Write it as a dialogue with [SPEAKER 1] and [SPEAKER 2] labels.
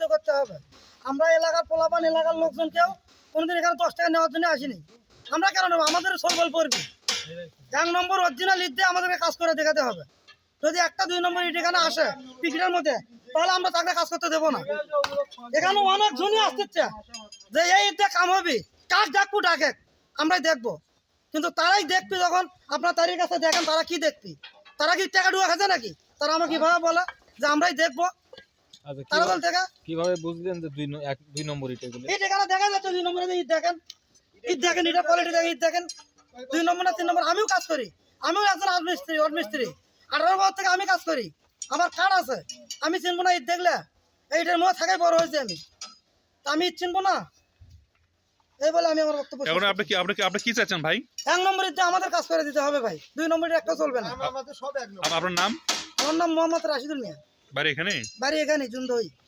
[SPEAKER 1] মধ্যে করতে হবে। আমরা এলাকার পোলাপান এলাকার লোকজন কেউ কোনোদিন এখানে 10 টাকা নেওয়ার জন্য আসিনি। আমরা কেন নেবো? আমাদের সরবল পড়বি 1 নম্বর অরিজিনাল ইট দিয়ে আমাদেরকে কাজ করে দেখাতে হবে। যদি 1টা 2 নম্বর ইট এখানে আসে পিকেটের মধ্যে, তাহলে আমরা তাকে কাজ করতে দেবো না। এখানে অনেক জনই আসতেছে যে এই ইট দিয়ে কাম হবে, কাজ ডাকবো ডাকে আমরাই দেখবো, কিন্তু তারাই দেখবি যখন আপনার তারিখ কাছে দেখেন তারা কি দেখবি? তারা কি টাকা ডুয়া খাচ্ছে নাকি? তারা আমাকে কিভাবে বলে যে আমরাই দেখবো? তারা বল থেকে
[SPEAKER 2] কিভাবে বুঝলেন যে 2 নম্বর ইট এগুলো?
[SPEAKER 1] ইট এখানে দেখা যাচ্ছে 2 নম্বরে ইট দেখেন, ইট দেখেন, ইটের কোয়ালিটি দেখেন, ইট দেখেন 2 নম্বর না 3 নম্বর। আমিও কাজ করি, আমিও একজন রাজমিস্ত্রি, মিস্ত্রি 18 বছর থেকে আমি কাজ করি, আমার কার্ড আছে। আমি চিনবো না ইট দেখলে? এইটার মধ্যে থাকাই বড় হয়েছে আমি, তা আমি ইট চিনবো না? এই বলে আমি আমার বক্তব্য শেষ
[SPEAKER 3] এখন
[SPEAKER 1] করছি।
[SPEAKER 3] আপনি কি চাচ্ছেন ভাই?
[SPEAKER 1] 1 নম্বর ইট দিয়ে আমাদের কাজ করে দিতে হবে ভাই, 2 নম্বরে একটা চলবে না।
[SPEAKER 3] আপনার নাম?
[SPEAKER 1] আমার নাম মোহাম্মদ রাশিদুল মিয়া,
[SPEAKER 3] বাড়ি এখানে?
[SPEAKER 1] বাড়ি এখানে জুন্দই।